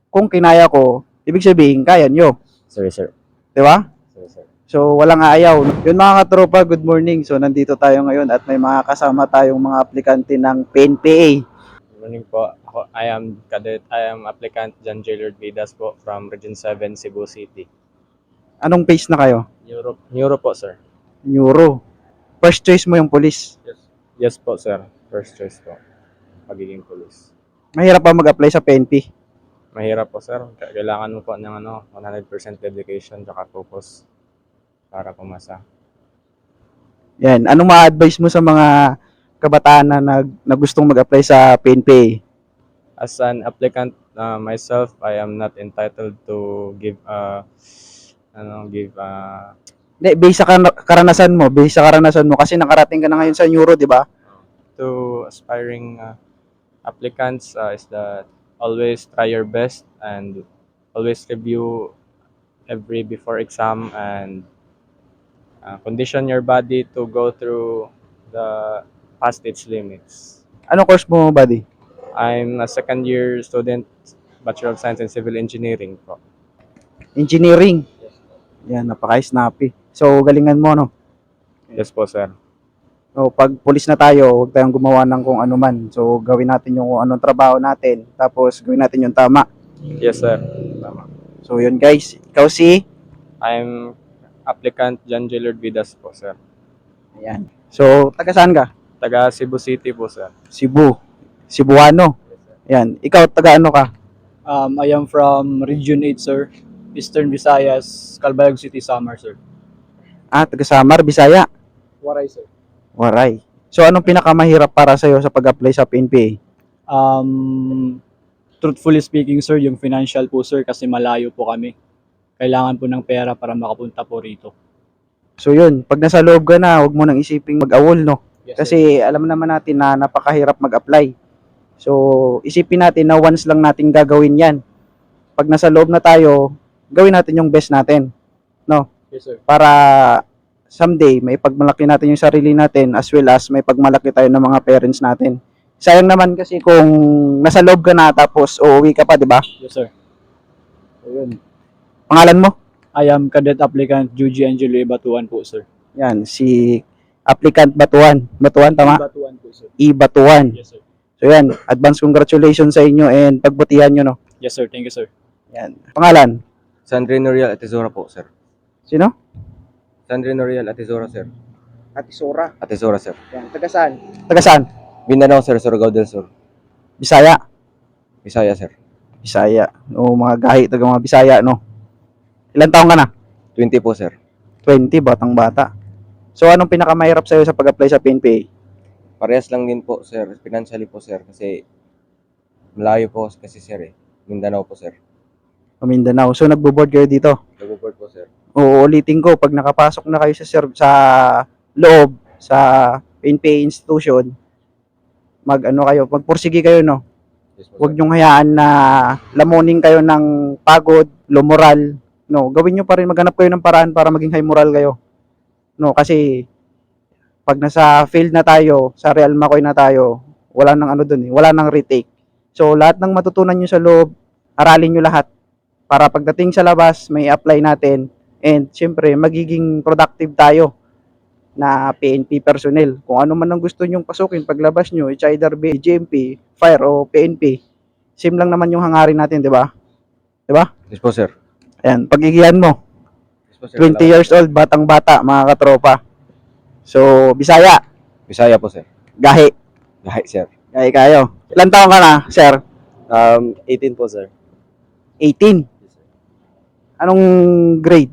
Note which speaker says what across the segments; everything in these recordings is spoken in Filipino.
Speaker 1: kung kinaya ko, ibig sabihin, kaya nyo.
Speaker 2: Sorry, sir.
Speaker 1: Di ba?
Speaker 2: Sorry, sir.
Speaker 1: So, walang aayaw. Yun mga katropa, good morning. So, nandito tayo ngayon at may mga kasama tayong mga aplikante ng PNPA.
Speaker 3: Good morning po. I am applicant John Jailard Vidas po from Region 7, Cebu City.
Speaker 1: Anong phase na kayo?
Speaker 3: Neuro po, sir.
Speaker 1: Neuro. First choice mo yung police.
Speaker 3: Yes po, sir. First choice po. Pagiging police.
Speaker 1: Mahirap pa mag-apply sa PNP.
Speaker 3: Mahirap po, sir. Kailangan mo po ng 100% dedication at focus para pumasa.
Speaker 1: Yan. Anong ma-advise mo sa mga kabataan na gustong mag-apply sa PNPA?
Speaker 3: As an applicant myself, I am not entitled to give
Speaker 1: Hindi, base sa karanasan mo kasi nakarating ka na ngayon sa Neuro, di ba?
Speaker 3: to aspiring applicants is that always try your best and always review every before exam and condition your body to go through the past its limits.
Speaker 1: Anong course mo, buddy?
Speaker 3: I'm a second year student, Bachelor of Science in Civil Engineering po.
Speaker 1: Engineering. Yan, napaka-snappy. So, galingan mo, no?
Speaker 3: Yes po, sir.
Speaker 1: So, pag pulis na tayo, huwag tayong gumawa ng kung ano man. So, gawin natin yung kung anong trabaho natin. Tapos, gawin natin yung tama.
Speaker 3: Yes, sir. Tama.
Speaker 1: So, yun guys. Ikaw si?
Speaker 3: I'm applicant John Jailard Vidas po, sir.
Speaker 1: Ayan. So, taga saan ka?
Speaker 3: Taga Cebu City po, sir.
Speaker 1: Cebu. Cebuano. Ayan. Ikaw, taga ano ka?
Speaker 4: I am from Region 8, sir. Eastern Visayas, Calbayog City, Samar, sir.
Speaker 1: Taga Samar, Bisaya.
Speaker 4: Waray, sir.
Speaker 1: Waray. So, anong pinakamahirap para sa'yo sa pag-apply sa PNPA?
Speaker 4: Truthfully speaking, sir, yung financial po, sir, kasi malayo po kami. Kailangan po ng pera para makapunta po rito.
Speaker 1: So, yun. Pag nasa loob ka na, huwag mo nang isiping mag-awol, no?
Speaker 4: Yes,
Speaker 1: Kasi alam naman natin na napakahirap mag-apply. So, isipin natin na once lang natin gagawin yan. Pag nasa loob na tayo, gawin natin yung best natin.
Speaker 4: Yes, sir.
Speaker 1: Para someday, may pagmalaki natin yung sarili natin as well as may pagmalaki tayo ng mga parents natin. Sayang naman kasi kung nasa loob ka na tapos uuwi ka pa, di ba?
Speaker 4: Yes, sir.
Speaker 1: Ayun. Pangalan mo?
Speaker 4: I am cadet applicant Juji Angelo Batuan po, sir.
Speaker 1: Yan, si applicant Batuan. Batuan, tama?
Speaker 4: Batuan po, sir.
Speaker 1: Batuan.
Speaker 4: Yes, sir.
Speaker 1: So yan, advance congratulations sa inyo and pagbutihan nyo, no?
Speaker 4: Yes, sir. Thank you, sir.
Speaker 1: Yan. Pangalan?
Speaker 2: Sandrine Noriel Atizora po, sir.
Speaker 1: Sino?
Speaker 2: Sandrine Noriel Atizora, sir.
Speaker 1: Atisora.
Speaker 2: Atizora, sir.
Speaker 1: Yan. Taga saan? Taga saan?
Speaker 2: Mindanao, sir. Surigao del Sur.
Speaker 1: Bisaya.
Speaker 2: Bisaya, sir.
Speaker 1: Bisaya. O mga gahi, taga mga Bisaya, no? Ilan taong ka na?
Speaker 2: 20 po, sir.
Speaker 1: 20, batang bata. So, anong pinakamahirap sa'yo sa pag-apply sa PNPA?
Speaker 2: Parehas lang din po, sir. Financially po, sir. Kasi malayo po kasi, sir, eh. Mindanao po, sir.
Speaker 1: Mindanao. So, nagbo-board kayo dito?
Speaker 2: Nag-board po, sir.
Speaker 1: Uulitin ko, pag nakapasok na kayo sa loob, sa PNPA institution, magpursige kayo, no?
Speaker 2: Yes po,
Speaker 1: Huwag
Speaker 2: sir.
Speaker 1: niyong hayaan na lamunin kayo ng pagod, low moral. No, gawin niyo pa rin, maghanap kayo ng paraan para maging high moral kayo. No, kasi pag nasa field na tayo, sa Real Macoy na tayo, wala nang ano dun eh, wala nang retake. So, lahat ng matutunan niyo sa loob, aralin niyo lahat para pagdating sa labas, may apply natin and syempre, magiging productive tayo na PNP personnel. Kung ano man ang gusto nyong pasukin paglabas nyo, it's either be GMP, Fire o PNP. Same lang naman yung hangarin natin, di ba? Di ba?
Speaker 2: Yes po, sir.
Speaker 1: Ayan, pagigihan mo.
Speaker 2: Yes po, sir.
Speaker 1: 20 years old, batang-bata, mga katropa. So, Bisaya,
Speaker 2: Bisaya po, sir.
Speaker 1: gahi.
Speaker 2: Gahi, sir.
Speaker 1: Gahi kayo. Ilan taon ka na, sir?
Speaker 2: 18 po, sir.
Speaker 1: 18. Anong grade?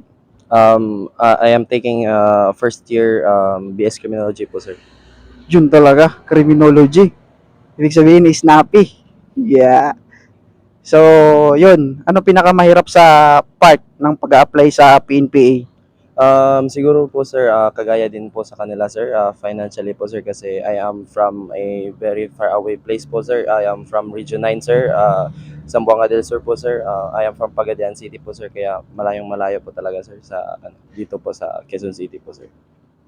Speaker 2: I am taking first year BS Criminology po, sir.
Speaker 1: Yun talaga, criminology. Ibig sabihin, snappy. Yeah. So, yun. Ano pinakamahirap sa part ng pag-apply sa PNPA?
Speaker 2: Siguro po, sir, kagaya din po sa kanila, sir, financially po, sir, kasi I am from a very far away place po, sir. I am from Region 9, sir, Zamboanga del Sur po, sir. I am from Pagadian City po, sir, kaya malayong malayo po talaga, sir, sa dito po sa Quezon City po, sir.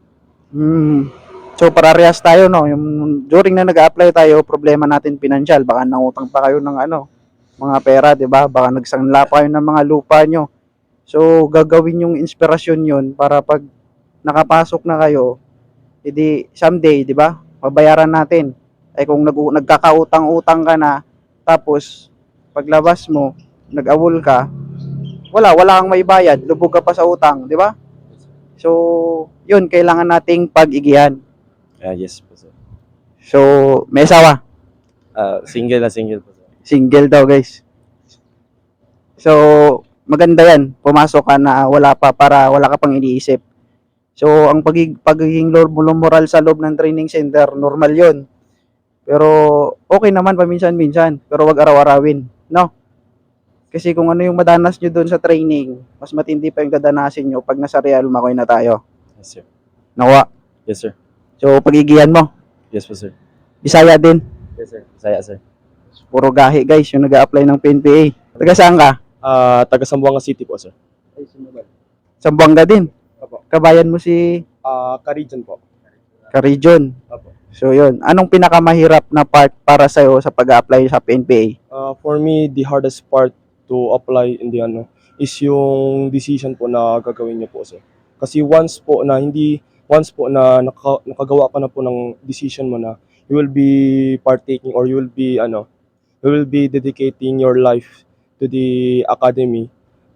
Speaker 1: So, parehas tayo, no? Yung during na nag-apply tayo, problema natin financial. Baka nangutang pa kayo ng mga pera, 'di ba? Baka nagsanla pa kayo ng mga lupa nyo. So, gagawin yung inspirasyon yun para pag nakapasok na kayo, edi someday, 'di ba? Mabayaran natin. Ay kung nagkakautang-utang ka na, tapos paglabas mo, nag-awol ka, wala kang maibayad, lubog ka pa sa utang, 'di ba? So, yun kailangan nating pag-igihan.
Speaker 2: Yes po sir.
Speaker 1: So, may asawa,
Speaker 2: Single po sir.
Speaker 1: single daw, guys. So, maganda 'yan. Pumasok ka na wala pa para wala ka pang iniisip. So, ang pagiging moral sa loob ng training center, normal 'yon. Pero okay naman paminsan-minsan, pero wag araw-arawin, no? Kasi kung ano yung madanas nyo doon sa training, mas matindi pa yung dadanasin nyo pag nasa Real Makoy na tayo.
Speaker 2: Yes sir.
Speaker 1: Nawa.
Speaker 2: Yes sir.
Speaker 1: So, pagigihan mo.
Speaker 2: Yes po sir.
Speaker 1: Bisaya din.
Speaker 2: Yes sir. Saya sir.
Speaker 1: Puro gahi, guys, yung nag-a-apply ng PNPA. Taga saan ka?
Speaker 2: Taga Zamboanga City po sir.
Speaker 1: Zamboanga din.
Speaker 2: Opo.
Speaker 1: Kabayan mo si
Speaker 2: Karijan po.
Speaker 1: Ka-region.
Speaker 2: Opo.
Speaker 1: So, yun. Anong pinakamahirap na part para sa'yo sa pag-a-apply sa PNPA?
Speaker 5: For me, the hardest part to apply in the is yung decision po na gagawin niyo po sir. Kasi once po na nakagawa ka na po ng decision mo na you will be partaking or you will be dedicating your life to the academy.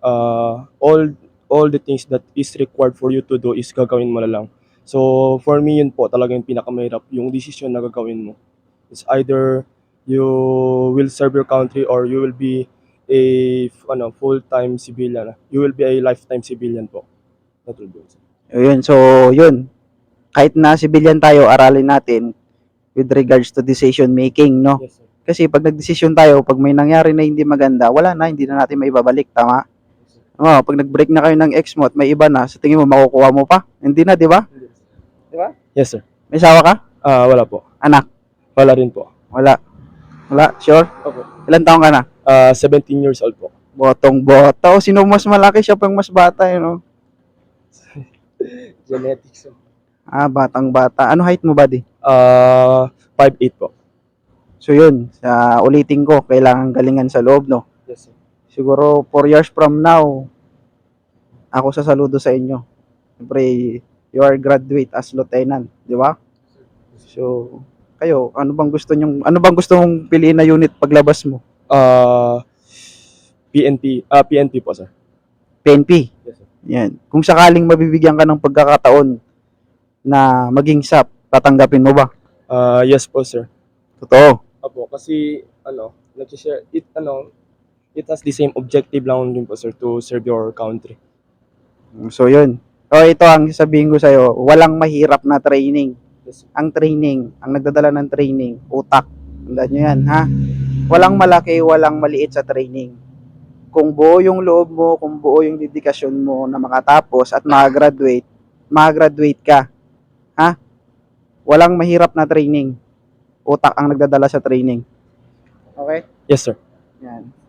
Speaker 5: All the things that is required for you to do is gagawin mo na lang. So for me yun po talaga yung pinakamahirap, yung decision na gagawin mo. It's either you will serve your country or you will be a full-time civilian. You will be a lifetime civilian po. That will be it.
Speaker 1: Yun. So, yun. Kahit na civilian tayo, aralin natin with regards to decision making, no?
Speaker 5: Yes sir.
Speaker 1: Kasi pag nagdesisyon tayo, pag may nangyari na hindi maganda, wala na, hindi na natin maibabalik, tama? Pag nag-break na kayo ng ex mo at may iba na, sa tingin mo, makukuha mo pa? Hindi na, di ba?
Speaker 5: Yes sir.
Speaker 1: May asawa ka?
Speaker 5: Wala po.
Speaker 1: Anak?
Speaker 5: Wala rin po.
Speaker 1: Wala. Wala? Sure?
Speaker 5: Opo.
Speaker 1: Ilan taong ka na?
Speaker 5: 17 years old po.
Speaker 1: Botong-bota. O, sino mas malaki? Siya pang mas bata, yun, no?
Speaker 5: Genetics.
Speaker 1: Batang-bata. Ano height mo, buddy?
Speaker 5: 5'8 po.
Speaker 1: So, yun. Ulitin ko, kailangan galingan sa loob, no?
Speaker 5: Yes sir.
Speaker 1: Siguro 4 years from now, ako sasaludo sa inyo. Siyempre, you are graduate as lieutenant, di ba? So, kayo, ano bang gusto mong piliin na unit paglabas mo?
Speaker 5: PNP po sir.
Speaker 1: PNP.
Speaker 5: Yes sir.
Speaker 1: Yan. Kung sakaling mabibigyan ka ng pagkakataon na maging SAP, tatanggapin mo ba?
Speaker 5: Yes po sir.
Speaker 1: Totoo.
Speaker 5: Opo, kasi nag-share it has the same objective lang din po sir to serve your country.
Speaker 1: So, yun. O, ito ang sasabihin ko sa'yo, walang mahirap na training.
Speaker 5: Yes sir.
Speaker 1: Ang training, ang nagdadala ng training, utak. Tandaan nyo yan, ha? Walang malaki, walang maliit sa training. Kung buo yung loob mo, kung buo yung dedikasyon mo na makatapos at makagraduate ka. Ha? Walang mahirap na training. Utak ang nagdadala sa training. Okay?
Speaker 5: Yes sir.
Speaker 1: Yan.